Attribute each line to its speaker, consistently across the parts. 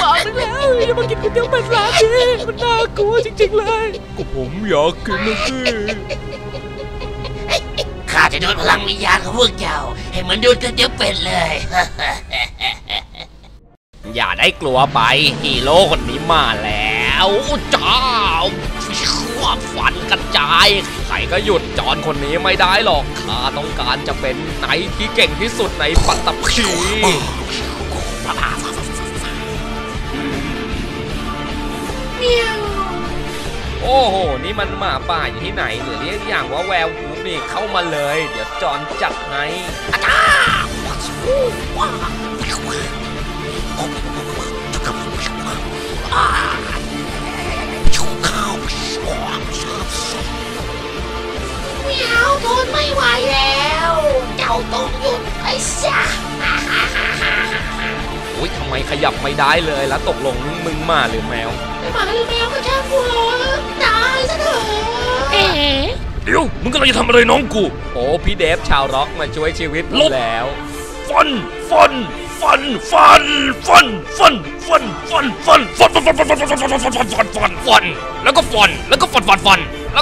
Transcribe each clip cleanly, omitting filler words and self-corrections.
Speaker 1: บอกนึงแล้วอย่ามากินก๋วยเตี๋ยวเป็ดร้านนี้มันน่ากลัวจริงๆเลยก็ผมอยากกินนะสิ
Speaker 2: ข้าจะดูดพลังวิญญาณของพวกเจ้าให้เหมือนดูดก๋วยเตี๋ยวเป็ดเลย
Speaker 1: อย่าได้กลัวไปฮีโร่คนนี้มาแล้วจ้าฟันกระจายใครก็หยุดจอนคนนี้ไม่ได้หรอกข้าต้องการจะเป็นไนท์ที่เก่งที่สุดในปัตตภีโอ้โหนี่มันหมาป่าอยู่ที่ไหนหรือเรียกอย่างว่าแวววูฟนี่เข้ามาเลยเดี๋ยวจอนจัดให้
Speaker 2: เมียวทนไม่ไหวแล้วเจ้าต้องหยุดไอ้ซะ
Speaker 1: อุ้ยทำไมขยับไม่ได้เลยแล้วตกลงมึงมาหรือแมว
Speaker 2: หมาหรือแมวก็ช่างกูตายซะเถอะ
Speaker 1: เดี๋ยวมึงกำลังจะทำอะไรน้องกูโอ้พี่เดฟชาวร็อกมาช่วยชีวิตแล้วฟันแล้วก็ฟันแล้วก็ฟัน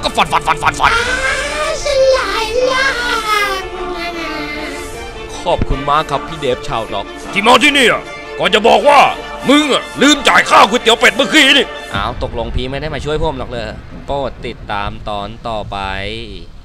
Speaker 2: สลายล่าง
Speaker 1: ขอบคุณมากครับพี่เดฟชาวร็อกที่มาที่นี่ก่อนจะบอกว่ามึงลืมจ่ายค่าก๋วยเตี๋ยวเป็ดเมื่อกี้นี่อ้าวตกลงพี่ไม่ได้มาช่วยผมหรอกเลยโปรดติดตามตอนต่อไป